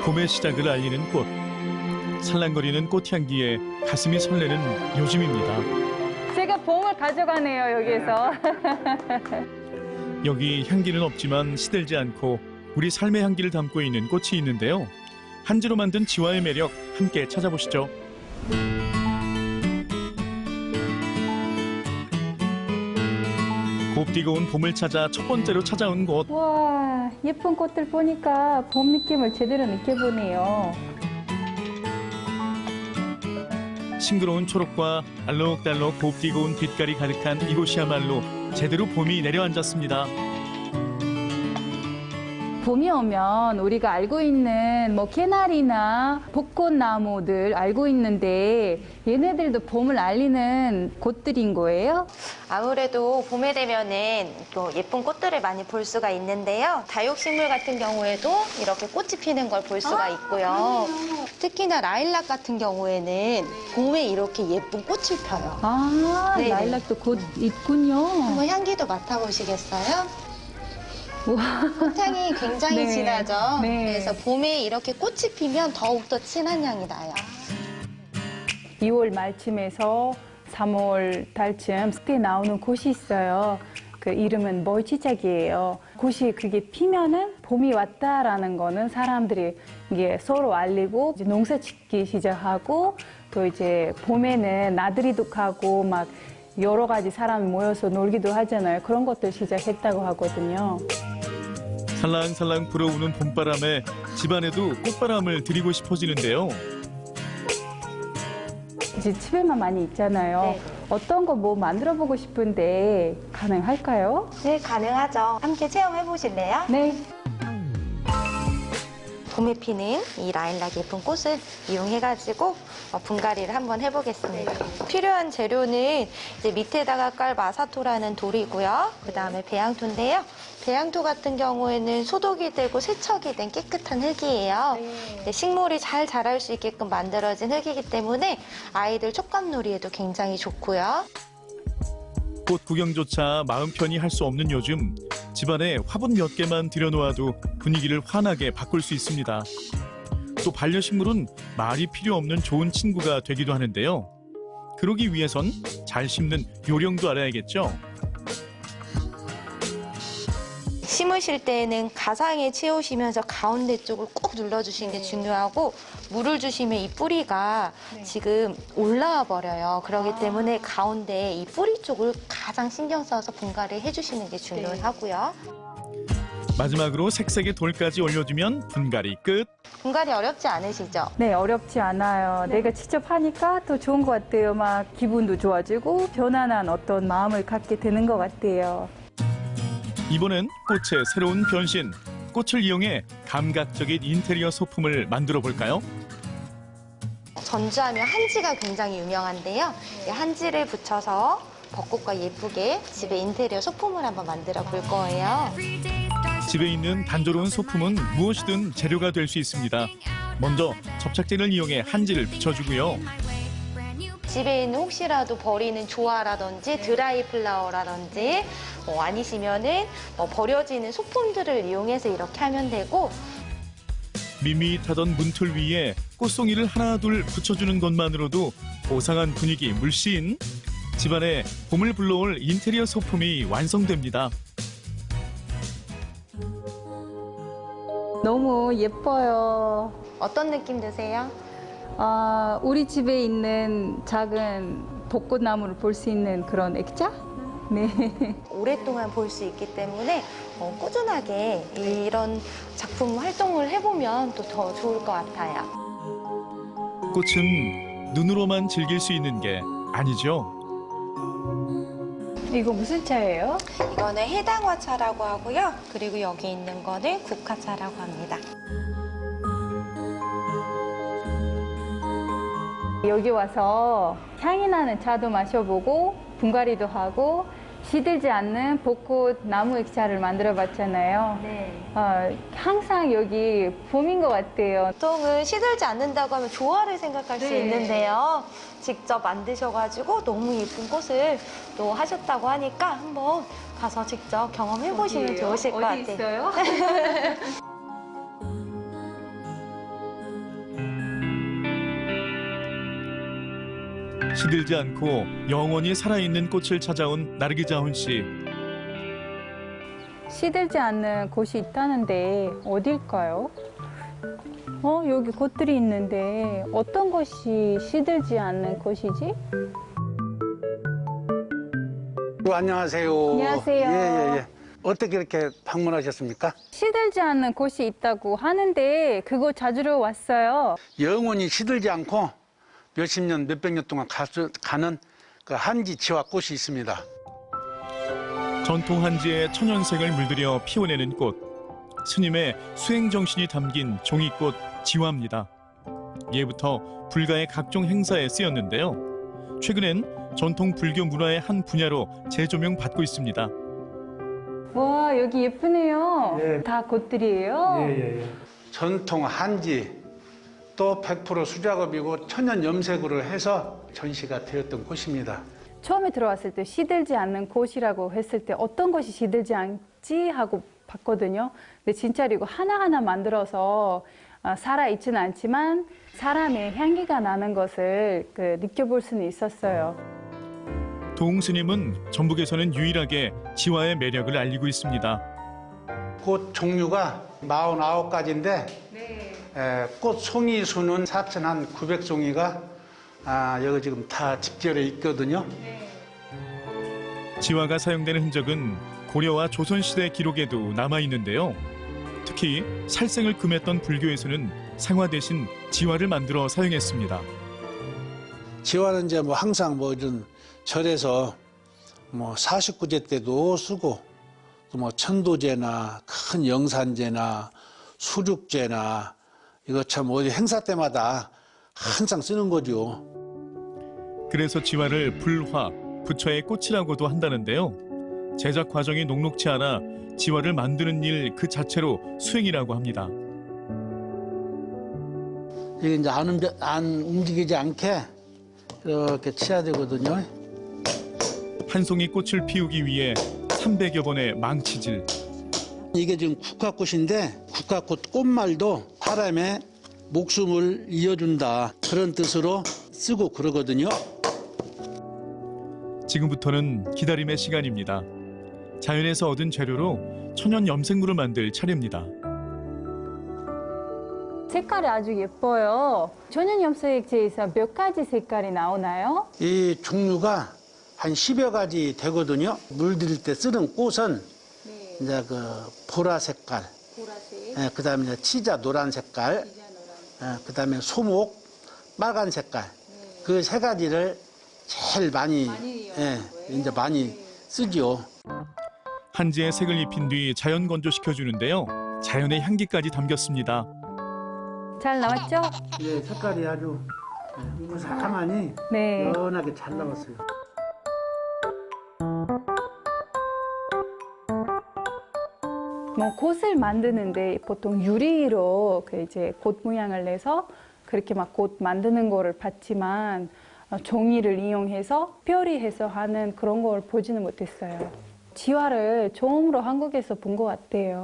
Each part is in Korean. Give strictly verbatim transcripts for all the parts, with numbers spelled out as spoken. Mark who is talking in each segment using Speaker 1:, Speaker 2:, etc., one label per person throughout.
Speaker 1: 봄의 시작을 알리는 꽃. 살랑거리는 꽃향기에 가슴이 설레는 요즘입니다.
Speaker 2: 제가 봄을 가져가네요, 여기에서.
Speaker 1: 여기 향기는 없지만 시들지 않고 우리 삶의 향기를 담고 있는 꽃이 있는데요. 한지로 만든 지화의 매력 함께 찾아보시죠. 곱디고 온 봄을 찾아 첫 번째로 찾아온 곳.
Speaker 2: 와, 예쁜 꽃들 보니까 봄 느낌을 제대로 느껴보네요.
Speaker 1: 싱그러운 초록과 알록달록 곱디고 온 빛깔이 가득한 이곳이야말로 제대로 봄이 내려앉았습니다.
Speaker 2: 봄이 오면 우리가 알고 있는 뭐 개나리나 벚꽃나무들 알고 있는데 얘네들도 봄을 알리는 꽃들인 거예요?
Speaker 3: 아무래도 봄에 되면은 또 예쁜 꽃들을 많이 볼 수가 있는데요. 다육식물 같은 경우에도 이렇게 꽃이 피는 걸 볼 수가 있고요. 특히나 라일락 같은 경우에는 봄에 이렇게 예쁜 꽃을 펴요.
Speaker 2: 아,
Speaker 3: 네네.
Speaker 2: 라일락도 곧 있군요.
Speaker 3: 한번 향기도 맡아보시겠어요?
Speaker 2: 우와.
Speaker 3: 꽃향이 굉장히
Speaker 2: 네.
Speaker 3: 진하죠?
Speaker 2: 네.
Speaker 3: 그래서 봄에 이렇게 꽃이 피면 더욱더 진한 향이 나요.
Speaker 2: 이월 말쯤에서 삼월 달쯤 그때 나오는 곳이 있어요. 그 이름은 멀치짝이에요. 곳이 그게 피면은 봄이 왔다라는 거는 사람들이 이게 서로 알리고 이제 농사 짓기 시작하고 또 이제 봄에는 나들이도 가고 막 여러 가지 사람이 모여서 놀기도 하잖아요. 그런 것들 시작했다고 하거든요.
Speaker 1: 살랑살랑 불어오는 봄바람에 집안에도 꽃바람을 드리고 싶어지는데요.
Speaker 2: 이제 집에만 많이 있잖아요.
Speaker 3: 네.
Speaker 2: 어떤 거 뭐 만들어 보고 싶은데 가능할까요?
Speaker 3: 네, 가능하죠. 함께 체험해 보실래요?
Speaker 2: 네.
Speaker 3: 봄에 피는 이 라일락 예쁜 꽃을 이용해가지고 분갈이를 한번 해보겠습니다. 필요한 재료는 이제 밑에다가 깔 마사토라는 돌이고요. 그 다음에 배양토인데요. 배양토 같은 경우에는 소독이 되고 세척이 된 깨끗한 흙이에요. 네, 식물이 잘 자랄 수 있게끔 만들어진 흙이기 때문에 아이들 촉감놀이에도 굉장히 좋고요.
Speaker 1: 꽃 구경조차 마음 편히 할 수 없는 요즘, 집안에 화분 몇 개만 들여놓아도 분위기를 환하게 바꿀 수 있습니다. 또 반려식물은 말이 필요 없는 좋은 친구가 되기도 하는데요. 그러기 위해선 잘 심는 요령도 알아야겠죠.
Speaker 3: 심으실 때에는 가상에 채우시면서 가운데 쪽을 꼭 눌러주시는 게 중요하고 물을 주시면 이 뿌리가 지금 올라와 버려요. 그렇기 때문에 가운데 이 뿌리 쪽을 가장 신경 써서 분갈이 해주시는 게 중요하고요.
Speaker 1: 마지막으로 색색의 돌까지 올려주면 분갈이 끝.
Speaker 3: 분갈이 어렵지 않으시죠?
Speaker 2: 네, 어렵지 않아요. 내가 직접 하니까 더 좋은 것 같아요. 막 기분도 좋아지고 편안한 어떤 마음을 갖게 되는 것 같아요.
Speaker 1: 이번엔 꽃의 새로운 변신. 꽃을 이용해 감각적인 인테리어 소품을 만들어 볼까요?
Speaker 3: 전주하면 한지가 굉장히 유명한데요. 이 한지를 붙여서 벚꽃과 예쁘게 집에 인테리어 소품을 한번 만들어 볼 거예요.
Speaker 1: 집에 있는 단조로운 소품은 무엇이든 재료가 될 수 있습니다. 먼저 접착제를 이용해 한지를 붙여주고요.
Speaker 3: 집에 있는 혹시라도 버리는 조화라든지 드라이 플라워라든지 어, 아니시면은 어, 버려지는 소품들을 이용해서 이렇게 하면 되고
Speaker 1: 밋밋하던 문틀 위에 꽃송이를 하나둘 붙여주는 것만으로도 고상한 분위기 물씬. 집안에 봄을 불러올 인테리어 소품이 완성됩니다.
Speaker 2: 너무 예뻐요.
Speaker 3: 어떤 느낌 드세요?
Speaker 2: 아, 우리 집에 있는 작은 벚꽃나무를 볼 수 있는 그런 액자? 네.
Speaker 3: 오랫동안 볼 수 있기 때문에 어, 꾸준하게 이런 작품 활동을 해보면 또 더 좋을 것 같아요.
Speaker 1: 꽃은 눈으로만 즐길 수 있는 게 아니죠.
Speaker 2: 이거 무슨 차예요?
Speaker 3: 이거는 해당화차라고 하고요. 그리고 여기 있는 거는 국화차라고 합니다.
Speaker 2: 여기 와서 향이 나는 차도 마셔보고 분갈이도 하고 시들지 않는 벚꽃 나무 액자를 만들어 봤잖아요.
Speaker 3: 네.
Speaker 2: 어, 항상 여기 봄인 것 같아요.
Speaker 3: 보통은 시들지 않는다고 하면 조화를 생각할 수
Speaker 2: 네.
Speaker 3: 있는데요. 직접 만드셔가지고 너무 예쁜 꽃을 또 하셨다고 하니까 한번 가서 직접 경험해 보시면
Speaker 2: 어디예요?
Speaker 3: 좋으실 것
Speaker 2: 어디
Speaker 3: 같아요.
Speaker 2: 있어요?
Speaker 1: 시들지 않고 영원히 살아있는 꽃을 찾아온 나르기자훈 씨.
Speaker 2: 시들지 않는 곳이 있다는데 어딜까요? 어, 여기 곳들이 있는데 어떤 곳이 시들지 않는 곳이지?
Speaker 4: 어, 안녕하세요.
Speaker 2: 안녕하세요.
Speaker 4: 예, 예, 예. 어떻게 이렇게 방문하셨습니까?
Speaker 2: 시들지 않는 곳이 있다고 하는데 그거 찾으러 왔어요.
Speaker 4: 영원히 시들지 않고 몇십 년, 몇백 년 동안 가, 가는 그 한지 지화 꽃이 있습니다.
Speaker 1: 전통 한지의 천연색을 물들여 피워내는 꽃. 스님의 수행 정신이 담긴 종이꽃 지화입니다. 예부터 불가의 각종 행사에 쓰였는데요. 최근엔 전통 불교 문화의 한 분야로 재조명 받고 있습니다.
Speaker 2: 와, 여기 예쁘네요.
Speaker 4: 예.
Speaker 2: 다 꽃들이에요?
Speaker 4: 예. 전통 한지 또 백 퍼센트 수작업이고 천연 염색으로 해서 전시가 되었던 곳입니다.
Speaker 2: 처음에 들어왔을 때 시들지 않는 곳이라고 했을 때 어떤 것이 시들지 않지 하고 봤거든요. 근데 진짜로 이거 하나하나 만들어서 살아있지는 않지만 사람의 향기가 나는 것을 그 느껴볼 수는 있었어요.
Speaker 1: 도웅 스님은 전북에서는 유일하게 지화의 매력을 알리고 있습니다.
Speaker 4: 꽃 종류가 사십구 가지인데
Speaker 2: 네.
Speaker 4: 에, 꽃 송이 수는 사천구백 송이가 아, 여기 지금 다 집결해 있거든요.
Speaker 1: 지화가 사용되는 흔적은 고려와 조선시대 기록에도 남아있는데요. 특히 살생을 금했던 불교에서는 상화 대신 지화를 만들어 사용했습니다.
Speaker 5: 지화는 이제 뭐 항상 뭐 이런 절에서 뭐 사십구 제 때도 쓰고 또 뭐 천도제나 큰 영산제나 수륙제나 이거 참 어디 행사 때마다 항상 쓰는 거죠.
Speaker 1: 그래서 지화를 불화, 부처의 꽃이라고도 한다는데요. 제작 과정이 녹록치 않아 지화를 만드는 일 그 자체로 수행이라고 합니다.
Speaker 5: 이게 이제 안, 움직, 안 움직이지 않게 이렇게 치야 되거든요.
Speaker 1: 한 송이 꽃을 피우기 위해 삼백여 번의 망치질.
Speaker 5: 이게 지금 국화꽃인데 국화꽃 꽃말도 사람의 목숨을 이어준다 그런 뜻으로 쓰고 그러거든요.
Speaker 1: 지금부터는 기다림의 시간입니다. 자연에서 얻은 재료로 천연 염색물을 만들 차례입니다.
Speaker 2: 색깔이 아주 예뻐요. 천연 염색제에서 몇 가지 색깔이 나오나요?
Speaker 5: 이 종류가 한 십여 가지 되거든요. 물들일 때 쓰는 꽃은
Speaker 2: 네.
Speaker 5: 이제 그 보라 색깔,
Speaker 2: 보라색,
Speaker 5: 예, 그다음에 이제 치자 노란 색깔, 예, 그다음에 소목 빨간 색깔. 그 세 가지를 제일 많이,
Speaker 2: 많이
Speaker 5: 예, 이제 많이 쓰죠.
Speaker 1: 한지에 색을 입힌 뒤 자연 건조시켜 주는데요. 자연의 향기까지 담겼습니다.
Speaker 2: 잘 나왔죠?
Speaker 5: 예, 색깔이 아주 무사하니
Speaker 2: 네.
Speaker 5: 연하게 잘 나왔어요.
Speaker 2: 뭐 꽃을 만드는데 보통 유리로 그 이제 꽃 모양을 내서 그렇게 막 꽃 만드는 거를 봤지만 어, 종이를 이용해서 특별히 해서 하는 그런 걸 보지는 못했어요. 지화를 처음으로 한국에서 본 것 같아요.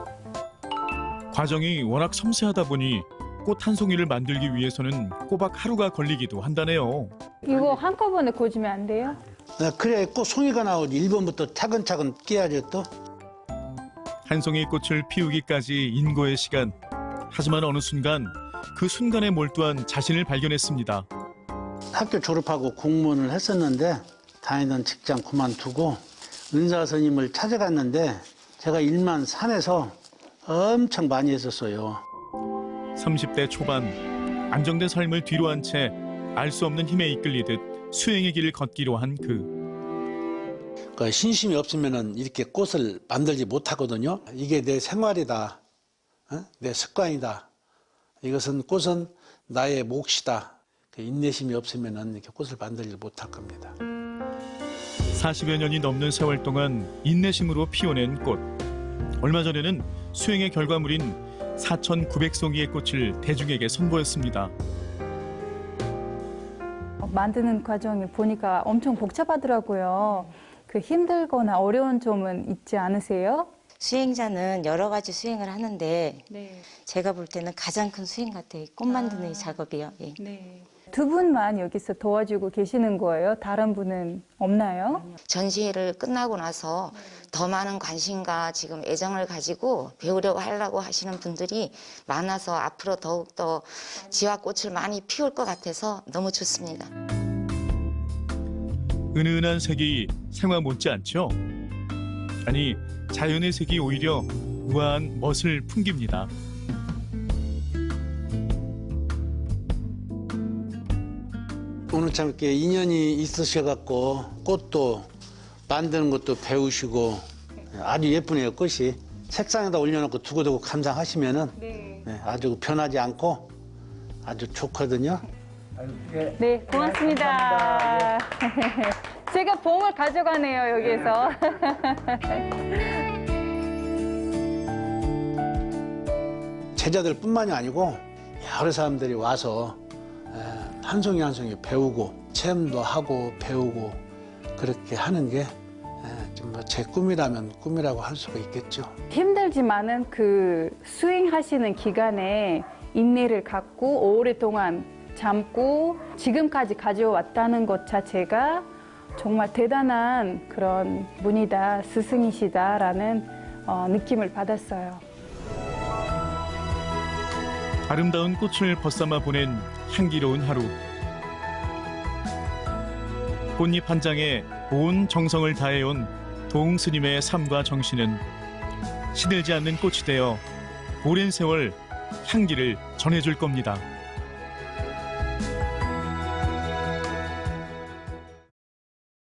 Speaker 1: 과정이 워낙 섬세하다 보니 꽃 한 송이를 만들기 위해서는 꼬박 하루가 걸리기도 한다네요.
Speaker 2: 이거 한꺼번에 꽂으면 안 돼요?
Speaker 5: 네, 그래야 꽃 송이가 나오지. 일 번부터 차근차근 깨야죠 또.
Speaker 1: 한 송이 꽃을 피우기까지 인고의 시간. 하지만 어느 순간 그 순간에 몰두한 자신을 발견했습니다.
Speaker 5: 학교 졸업하고 공무원을 했었는데 다니던 직장 그만두고 은사 스님을 찾아갔는데 제가 일만 산에서 엄청 많이 했었어요.
Speaker 1: 삼십 대 초반 안정된 삶을 뒤로 한 채 알 수 없는 힘에 이끌리듯 수행의 길을 걷기로 한 그.
Speaker 5: 그 신심이 없으면 이렇게 꽃을 만들지 못하거든요. 이게 내 생활이다. 어? 내 습관이다. 이것은 꽃은 나의 몫이다. 그 인내심이 없으면 이렇게 꽃을 만들지 못할 겁니다.
Speaker 1: 사십여 년이 넘는 세월 동안 인내심으로 피워낸 꽃. 얼마 전에는 수행의 결과물인 사천구백 송이의 꽃을 대중에게 선보였습니다.
Speaker 2: 만드는 과정을 보니까 엄청 복잡하더라고요. 그 힘들거나 어려운 점은 있지 않으세요?
Speaker 6: 수행자는 여러 가지 수행을 하는데
Speaker 2: 네.
Speaker 6: 제가 볼 때는 가장 큰 수행 같아요. 꽃 만드는 이 작업이요. 예.
Speaker 2: 네. 두 분만 여기서 도와주고 계시는 거예요? 다른 분은 없나요?
Speaker 6: 전시회를 끝나고 나서 더 많은 관심과 지금 애정을 가지고 배우려고 하려고 하시는 분들이 많아서 앞으로 더욱더 지화꽃을 많이 피울 것 같아서 너무 좋습니다.
Speaker 1: 은은한 색이 생화 못지않죠? 아니, 자연의 색이 오히려 우아한 멋을 풍깁니다.
Speaker 5: 오늘 참 이렇게 인연이 있으셔갖고 꽃도 만드는 것도 배우시고 아주 예쁘네요, 꽃이. 책상에다 올려놓고 두고두고 감상하시면은
Speaker 2: 네.
Speaker 5: 네, 아주 변하지 않고 아주 좋거든요.
Speaker 2: 네, 고맙습니다. 제가 봉을 가져가네요, 여기에서.
Speaker 5: 제자들뿐만이 아니고 여러 사람들이 와서 에, 한 송이 한 송이 배우고 체험도 하고 배우고 그렇게 하는 게 제 꿈이라면 꿈이라고 할 수가 있겠죠.
Speaker 2: 힘들지만은 그 수행하시는 기간에 인내를 갖고 오랫동안 참고 지금까지 가져왔다는 것 자체가 정말 대단한 그런 분이다, 스승이시다라는 어, 느낌을 받았어요.
Speaker 1: 아름다운 꽃을 벗삼아 보낸 향기로운 하루. 꽃잎 한 장에 온 정성을 다해온 도웅 스님의 삶과 정신은 시들지 않는 꽃이 되어 오랜 세월 향기를 전해줄 겁니다.